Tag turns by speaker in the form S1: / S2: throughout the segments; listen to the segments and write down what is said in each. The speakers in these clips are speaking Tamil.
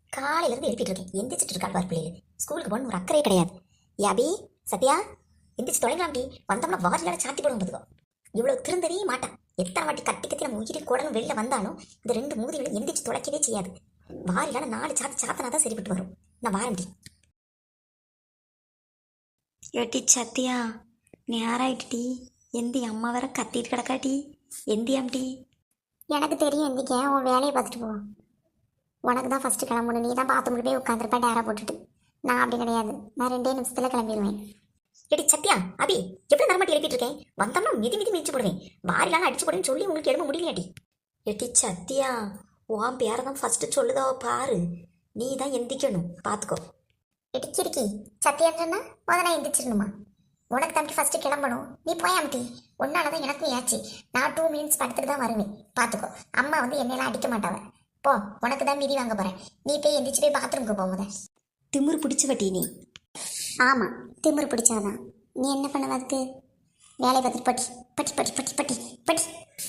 S1: காலையில இருந்து எழுப்பிட்டு இருக்கேன். எந்திரிச்சிட்டு இருக்கா பார் பிள்ளைகள். ஸ்கூலுக்கு போகணும் ஒரு அக்கறையே கிடையாது. யாபி, சத்யா, எந்திரிச்சு தொலைங்களாம்டி. வந்தோம்னா வாரிலான சாத்தி போட வந்துக்கோ. இவ்வளவு திருந்தவே மாட்டான். எத்தனை வாட்டி கத்தி கத்தி நம்ம உயிரி குடலும் வெளில வந்தாலும் இந்த ரெண்டு மூதிகளை எந்திரிச்சு தொலைக்கவே செய்யாது. வாரிலான 4 சாத்தி சாத்தனா தான் சரிப்பட்டு வரும். நான் வாரண்டி.
S2: ஏட்டி சத்தியா, நேராயிட்டுடி. எந்தி அம்மா வேற கத்திட்டு கிடக்காட்டி. எந்தியாம்டி.
S1: எனக்கு தெரியும் எந்திக்க, உன் வேலையை பார்த்துட்டு போ. உனக்கு தான் ஃபஸ்ட்டு கிளம்பணும். நீ தான் பார்த்து போய் உட்காந்துருப்பேன் டேரா போட்டுட்டு. நான் அப்படி கிடையாது. நான் 2 நிமிஷத்தில் கிளம்பிடுவேன். எடி சத்யா, அபி, எவ்வளோ நேரமாட்டி எழுப்பிட்டு இருக்கேன். வந்தோம்னா மிதி மிதி மிதிச்சு போடுவேன். வாரிலான அடிச்சு போடுன்னு சொல்லி உங்களுக்கு எழுப்ப முடியலையாட்டி.
S2: ஏட்டி சத்தியா, உன் பேரை தான் ஃபஸ்ட்டு சொல்லுதோ பாரு. நீ தான் எந்திக்கணும், பார்த்துக்கோ.
S1: இடிச்சிருக்கி சத்தியன்றா முதல்ல எந்திரிச்சிடணுமா? உனக்கு தம்பி ஃபஸ்ட்டு கிளம்பணும். நீ போயாமட்டி. ஒன்னால தான் எனக்கும் ஏச்சு. நான் 2 மினிட்ஸ் படுத்துட்டு தான் வருவேன். பார்த்துக்கோ. அம்மா வந்து என்னெல்லாம் அடிக்க மாட்டாவ. போ, உனக்கு தான் மிதி வாங்க போகிறேன். நீ போய் எந்திரிச்சு போய் பாத்ரூமுக்கு போகுத.
S2: திமிரு பிடிச்ச வட்டி நீ.
S1: ஆமாம், திமிரு பிடிச்சாதான். நீ என்ன பண்ணுவ அதுக்கு? வேலையை பார்த்துட்டு பட்டி பட்டி பட்டி பட்டி பட்டி பட்டி.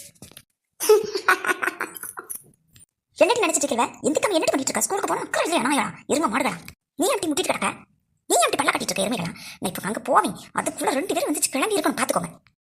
S1: என்னட்டு நினைச்சிட்டு இருக்கல? எதுக்கு என்ன பண்ணிட்டு இருக்க? ஸ்கூலுக்கு போனா அக்கறை இல்லையா? நாயா இருங்க மாடுகளா. நீ அப்படி முட்டிட்டு கிடக்க. நீ அப்படி பல்ல கட்டிட்டு இருக்க எருமைகளா? நான் இப்போ அங்கே போவேன். அதுக்குள்ள 2 பேரும் வந்துச்சு கிளம்பி இருக்கணும். பார்த்துக்கோங்க.